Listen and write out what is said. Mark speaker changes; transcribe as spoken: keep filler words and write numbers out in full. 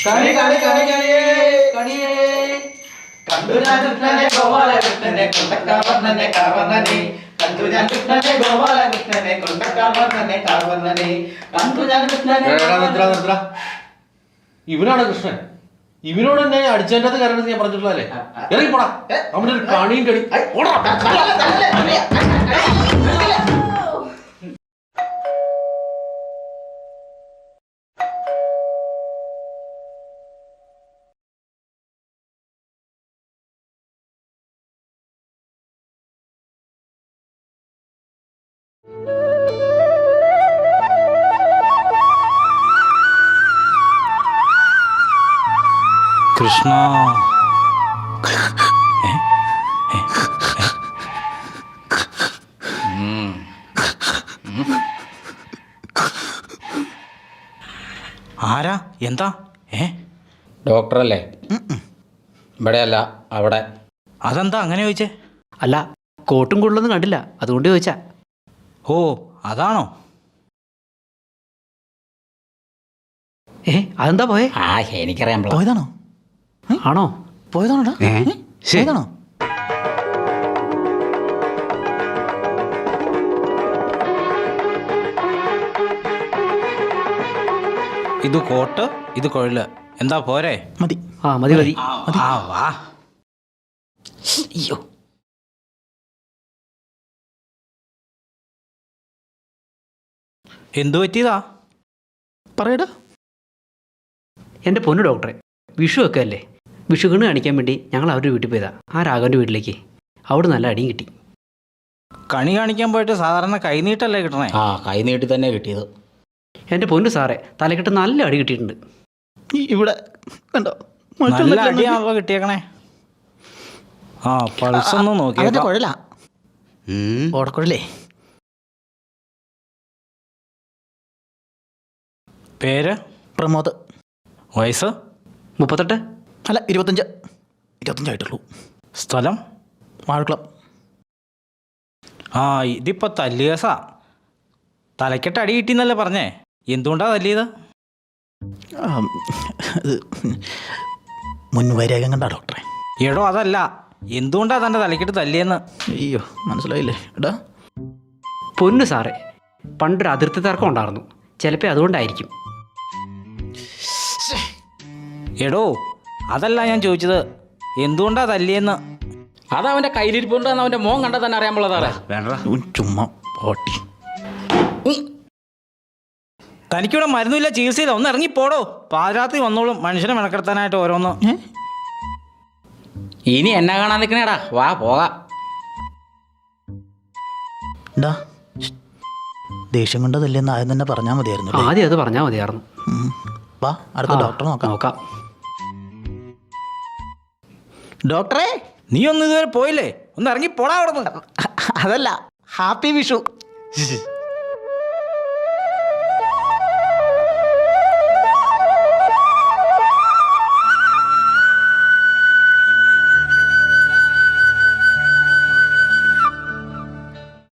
Speaker 1: കണി കണി കണി കണിയേ കണിയേ കണ്ടു ഞാൻ കൃഷ്ണനെ ഗോപാലകൃഷ്ണനെ കൊണ്ടക്കാവർണ്ണനെ കാവർണ്ണനെ കണ്ടു ഞാൻ കൃഷ്ണനെ ഗോപാലകൃഷ്ണനെ കൊണ്ടക്കാവർണ്ണനെ കാവർണ്ണനെ കണ്ടു ഞാൻ കൃഷ്ണനെ.
Speaker 2: ഇവനാണ് കൃഷ്ണൻ. ഇവനോട് തന്നെ അടിച്ചതിനകത്ത് കയറണമെന്ന് ഞാൻ പറഞ്ഞിട്ടുള്ളതല്ലേ? ഇറങ്ങിപ്പോടാ, നമ്മുടെ ഒരു കണിയും കടി.
Speaker 3: കൃഷ്ണ ആരാ എന്താ? ഏ
Speaker 4: ഡോക്ടറല്ലേ? ഇവിടെയല്ല, അവിടെ.
Speaker 3: അതെന്താ അങ്ങനെ ചോദിച്ചേ?
Speaker 5: അല്ല, കോട്ടും കൂടുതലൊന്നും കണ്ടില്ല, അതുകൊണ്ട് ചോദിച്ചാ.
Speaker 3: ഓ അതാണോ?
Speaker 5: ഏ അതെന്താ പോയേ?
Speaker 4: ആ എനിക്കറിയാൻ
Speaker 3: പോയതാണോ?
Speaker 5: ആണോ?
Speaker 3: പോയതാണോടാ? പോയതാണോ? ഇത് കോട്ട്, ഇത് കൊഴല്. എന്താ പോരെ?
Speaker 5: മതി. ആ മതി മതി.
Speaker 3: ആ വാ.
Speaker 5: അയ്യോ,
Speaker 3: എന്തു പറ്റിയതാ?
Speaker 5: പറയടാ. എൻ്റെ പൊന്നു ഡോക്ടറെ, വിഷു ഒക്കെ അല്ലേ, വിഷു കണ്ണ് കാണിക്കാൻ വേണ്ടി ഞങ്ങൾ അവരുടെ വീട്ടിൽ പോയതാ, ആ രാഘവൻ്റെ വീട്ടിലേക്ക്. അവിടെ നല്ല അടിയും കിട്ടി.
Speaker 3: കണി കാണിക്കാൻ പോയിട്ട് സാധാരണ കൈനീട്ടല്ലേ കിട്ടണേ?
Speaker 4: ആ കൈ നീട്ടി തന്നെ കിട്ടിയത്.
Speaker 5: എൻ്റെ പൊന്നു സാറേ, തലക്കെട്ട് നല്ല അടി കിട്ടിയിട്ടുണ്ട്.
Speaker 6: ഇവിടെ കണ്ടോ,
Speaker 3: നല്ല അടിയാണല്ലോ കിട്ടിയേക്കണേ. ആ പൾസൊന്ന് നോക്കിയാ.
Speaker 6: കുഴലാ, ഓടക്കുഴലേ.
Speaker 3: പേര്?
Speaker 6: പ്രമോദ്.
Speaker 3: വയസ്സ്?
Speaker 5: മുപ്പത്തെട്ട്.
Speaker 6: അല്ല, ഇരുപത്തഞ്ച്. ഇരുപത്തഞ്ചായിട്ടുള്ളൂ.
Speaker 3: സ്ഥലം?
Speaker 6: വാഴക്കുളം.
Speaker 3: ആ ഇതിപ്പോൾ തല്ലിയസാ. തലക്കെട്ട് അടി കിട്ടിയെന്നല്ലേ പറഞ്ഞേ? എന്തുകൊണ്ടാ തല്ലിയത്?
Speaker 6: ഇത് മുൻവൈരാഗ്യം കണ്ടാ ഡോക്ടറെ?
Speaker 3: എടോ അതല്ല, എന്തുകൊണ്ടാ തൻ്റെ തലക്കെട്ട് തല്ലിയെന്ന്?
Speaker 6: അയ്യോ, മനസ്സിലായില്ലേ എടാ?
Speaker 5: പൊന്നു സാറേ, പണ്ടൊരു അതിർത്തി തർക്കം ഉണ്ടായിരുന്നു, ചിലപ്പോൾ അതുകൊണ്ടായിരിക്കും.
Speaker 3: എടോ അതല്ല ഞാൻ ചോദിച്ചത്, എന്തുകൊണ്ടാ തല്ലിയെന്ന്.
Speaker 4: അതവൻ്റെ കയ്യിലിരിപ്പുണ്ടെന്ന് അവൻ്റെ മോൻ കണ്ടാൽ തന്നെ അറിയാൻ പാടില്ല.
Speaker 3: വേണ്ട,
Speaker 6: ചുമ്മാ പോട്ടി.
Speaker 3: തനിക്കിവിടെ മരുന്നില്ല, ചികിത്സയില്ല, ഒന്ന് ഇറങ്ങിപ്പോടോ. പാതിരാത്രി വന്നോളും മനുഷ്യനെ മെനക്കെടുത്താനായിട്ട് ഓരോന്ന്.
Speaker 4: ഇനി എന്നെ കാണാൻ നിൽക്കണേടാ, വാ പോകാം.
Speaker 6: എന്താ ദേഷ്യം കൊണ്ടതല്ലെന്ന് ആദ്യം തന്നെ പറഞ്ഞാൽ മതിയായിരുന്നു.
Speaker 5: ആദ്യം അത് പറഞ്ഞാൽ മതിയായിരുന്നു.
Speaker 6: വാ, അടുത്ത ഡോക്ടറെ നോക്കാം.
Speaker 5: നോക്കാം.
Speaker 6: ഡോക്ടറെ,
Speaker 3: നീ ഒന്നും ഇതുവരെ പോയില്ലേ? ഒന്ന് ഇറങ്ങിപ്പോടാ അവിടെ നിന്ന്.
Speaker 6: അതല്ല, ഹാപ്പി വിഷു.